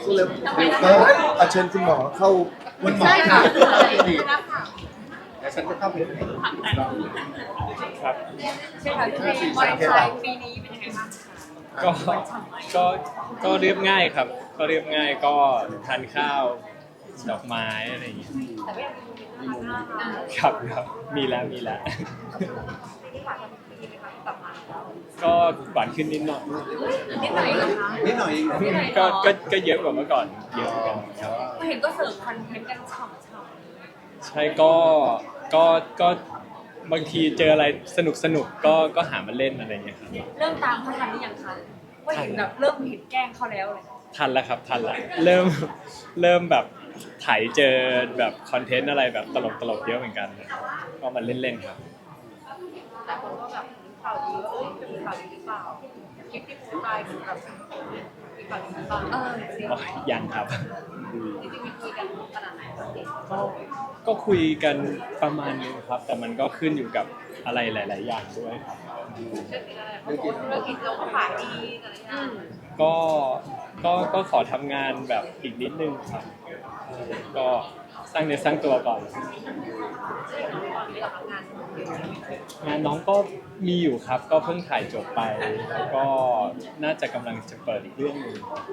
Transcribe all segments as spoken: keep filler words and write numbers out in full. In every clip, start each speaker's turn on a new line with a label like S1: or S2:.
S1: พูดเลยก็อาเชิญคุณหมอเข้า
S2: คุณหมอค่ะดีแล้วฉันจะเข้าไปไหน
S3: ครับ
S4: ใช่ค่ะพี่เมย์บริษัทปีนี้เป็นยังไงบ้าง
S3: ก็ก็ก็เรียบง่ายครับ ก็เรียบง่ายก็ทานข้าวดอกไม้อะไรอย่างเงี้ย
S4: แต่ก็ยังมีโมเมนต์น่ารัก
S3: ครับครับมีแล้วมีแล้ว
S4: ที่ผ่านมาปีไหมคะที่กลับมาแล้ว
S3: ก็หวานขึ้นนิดหน่อย
S4: นิดหน่อยเหรอคะ
S2: นิดหน่อยเองเหรอ
S3: ก็ก็ก็เยอะกว่าเมื่อก่อนเยอะเหมือนกันครับ
S4: เห็นก็เสิร์ฟคอนเทนต์กันฉ่ำ
S3: ใช่ก็ก็ก็บางทีเจออะไรสนุกสนุกก็ก็หามาเล่นอะไรอย่างเงี้ยครับ
S4: ๆเริ่มตามเขาทันหรือยังคะว่าเห็นแบบเริ่มเห็นแกล้งเขาแล้วเลย
S3: ทันแล้วครับทันแล้วเริ่มเริ่มแบบถ่ายเจอแบบคอนเทนต์อะไรแบบตลกตลกๆเยอะเหมือนกันก็มาเล่นๆครับ
S4: แต่คนก็แบบข่าวดีว่าเอ้ยจะมีข่าวดีหรือเปล่าคลิปที่โพสต์ไปเหมือนแบบมีข่าวดีหรือเปล่าเออจริง
S3: อ๋อยังครับ
S4: จริงๆมีคุยกันขนาดไหนคะพี่
S3: ก็ก็คุยกันประมาณนึงครับ แต่มันก็ขึ้นอยู่กับอะไรหลาย ๆ อย่างด้วยครับ
S4: เรื่องอะไรเขาบอกธุรกิจเราก็ขายดีอะไรอย่างเงี้ย
S3: ก็ก็ก็ขอทำงานแบบอีกนิดนึงครับ ก็สร้างเนื้อสร้างตัวก่อน
S4: ตอนนี้เราทำงาน
S3: งานน้องก็มีอยู่ครับ ก็เพิ่งถ่ายจบไปแล้วก็น่าจะกำลังจะเปิดอีกเรื่องหนึง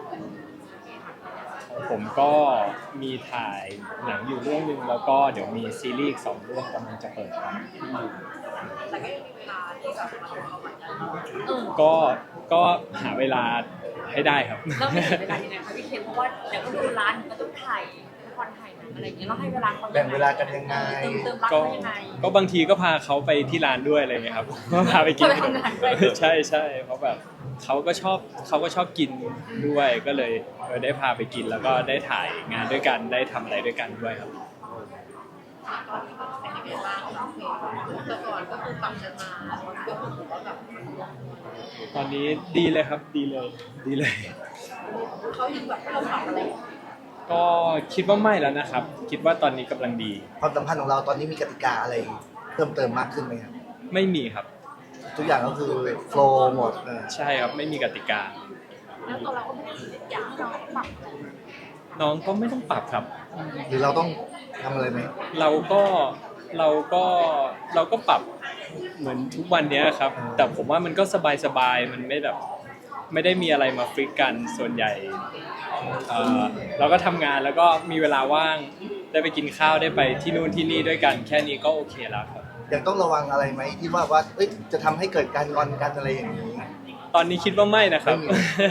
S3: ผมก็มีถ่ายหนังอยู่เรื่องหนึงแล้วก็เดี๋ยวมีซีรีส์อีกสองเรื่องกำลังจะเปิดครับ
S4: แต่ก็ยังมีเวลาที่แบบมาทำเอาใหม่ได้เออ
S3: ก็ก็หาเวลาให้ได้ครับ
S4: แล้วมีเวลายังไงคะพี่เคนเพราะว่าเดี๋ยวก็ดูร้านก็ต้องถ่ายละครถ่ายหนังอะไรอย่างเงี้ยเราให้เวลาเขา
S1: แบ่งเวลากันยังไง
S4: เติมเติมรัก
S3: ก็
S4: เขายังไง
S3: ก็บางทีก็พาเขาไปที่ร้านด้วยอะไรเงี้ยครับ ก็พาไปกิน
S4: พาไปทำงานด้วย
S3: ใช่ใช่เพราะแบบเขาก็ชอบเขาก็ชอบกินด้วยก็เลยเออได้พาไปกินแล้วก็ได้ถ่ายงานด้วยกันได้ทำอะไรด้วยกันด้วยครับ
S4: ตอนนี้ก็เป็นยังไงบ้างโอเคแต่ก่อนก็คือปรับกันมาก็คือถือว่าแบบ
S3: ตอนนี้ดีเลยครับดีเลยดีเลย
S4: เขายังแบบให้เราปรับอะไรอยู่
S3: ก็คิดว่าไม่แล้วนะครับ คิดว่าตอนนี้กำลังดี
S1: ความสัมพันธ์ของเราตอนนี้มีกติกาอะไรเพิ่มเติมมากขึ้นไหมครับ
S3: ไม่มีครับ
S1: ทุกอย่างก็คือโฟล์หมดเออ
S3: ใช่ครับไม่มีกติกา
S4: แล้วตัวเราก็ไม่ได้อยากให้เราปรับ
S3: น้องก็ไม่ต้องปรับครับ
S1: หรือเราต้องทำอะไรไหม
S3: เราก็เราก็เราก็ปรับเหมือนทุกวันเนี้ยครับ แต่ผมว่ามันก็สบายๆมันไม่แบบไม่ได้มีอะไรมาฟิกกันส่วนใหญ่เอ่อเราก็ทำงานแล้วก็มีเวลาว่างได้ไปกินข้าวได้ไปที่นู่นที่นี่ด้วยกัน แค่นี้ก็โอเคแล้วครับ
S1: ยังต้องระวังอะไรไหมที่ว่าว่าเอ้ยจะทำให้เกิดการงอนกันอะไรอย่างนี้
S3: ตอนนี้คิดว่าไม่นะครับ
S1: ไม่มี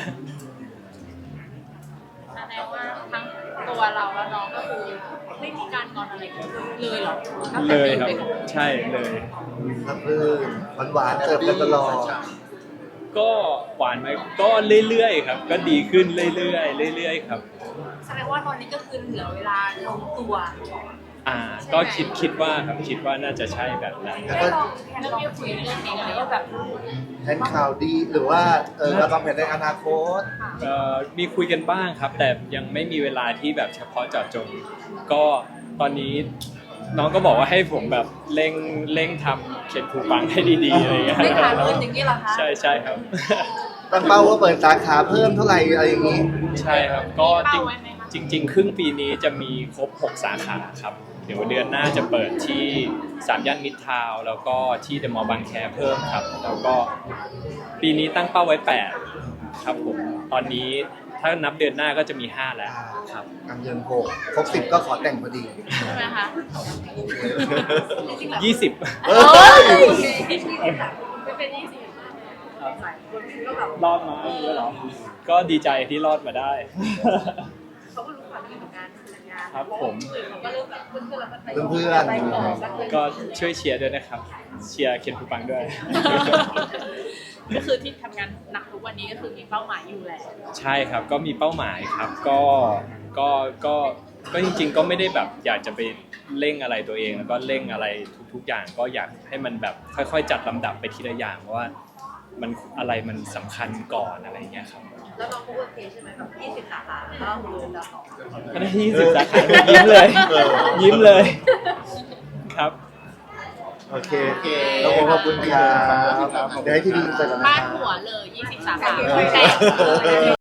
S4: แสดงว่าทั้งตัวเราและน้องก็คือไม่มีการงอนอะไรกันเลยเหรอ
S3: เลยครับใช่เลย
S1: รับรื่นหวานๆเสิร์ฟกันตลอด
S3: ก็หวานไหมก็เรื่อยๆครับ ก็ดีขึ้นเรื่อยๆเรื่อยๆครับ
S4: แสดงว่าตอนนี้ก็คือเหลือเวลาลงตัว
S3: อ่าก็คิดคิดว่าครับคิดว่าน่าจะใช่แบบนั้น
S1: แล้ว
S4: แค่
S1: ก็
S4: ลองแค่ลองคุยเรื่องนี้กันเลยว่าแบบ
S1: แทนข่าวดีหรือว่าเออเราวางแผนในอนาคต
S3: เอ่อมีคุยกันบ้างครับ แต่ยังไม่มีเวลาที่แบบเฉพาะเจาะจง ก็ตอนนี้น้องก็บอกว่าให้ผมแบบเร่งเร่งทำเขียนผูปังให้ดีๆอะไรอย่างเงี้ย
S4: ไม่ขาดเงินอย่างนี้เหรอคะ
S3: ใช่ใช่ครับ
S1: ตั้งเป้าว่าเปิดสาขาเพิ่มเท่าไหร่อะไรอย่างนี้
S3: ใช่ครับก็จริงจริงๆครึ่งปีนี้จะมีครบหกสาขาครับ เดี๋ยวเดือนหน้าจะเปิดที่สามย่านมิตรทาวน์แล้วก็ที่เดอะมอลล์บางแคเพิ่มครับ แล้วก็ปีนี้ตั้งเป้าไว้แปดครับผมตอนนี้ถ้านับเดือนหน้าก็จะมีห้าแล้วครับ
S1: กำเดือนหกครบสิบก็ขอแต่งพอดี
S4: ใช่ไหมคะจริงๆแบบ
S3: ยี่สิบ
S1: เอ้
S4: เฮ้
S1: ย
S4: ยยี่สิบแบบไม่เป็นยี่สิบหลายคนก็แบบ
S3: รอดมาเยอะเหรอก็ดีใจที่รอดมาได้
S4: เขาก็รู้ความเป็นของงานทำงาน
S3: ครับผม
S4: เขาก็เริ่มแบบเพื่อนๆแล้วก็ไป
S1: เพื่อนๆ
S4: ไปต่อสักเลย
S3: ก็ช่วยเชียร์ด้วยนะครับ เชียร์เคนภูปังด้วย
S4: ก็คือที่ทำงานหนักทุกวันนี้ก็คือมีเป้าหมายอยู่แหละ
S3: ใช่ครับก็มีเป้าหมายครับก็ก็ก็ก็จริง ๆ ก็ไม่ได้แบบอยากจะไปเร่งอะไรตัวเองแล้วก็เร่งอะไรทุกๆอย่างก็อยากให้มันแบบค่อยๆจัดลำดับไปทีละอย่างว่ามันอะไรมันสำคัญก่อนอะไรอย่างเงี้ยครับ
S4: แล้วน้องก็โอเคใช่ไหมแบบยี่สิบสาขาก็คือแล้ว
S3: ก็ได้ยี่สิบสาขายิ้มเลย
S1: เออ
S3: ยิ้มเลยครับ
S1: โอเคเราขอบคุณครับเดี๋ยวให้ที่ดีเสร็จแล้วนะ
S4: บ้า
S1: คน รับ
S4: หัวเลยยี่สิบสาขาไม่แตก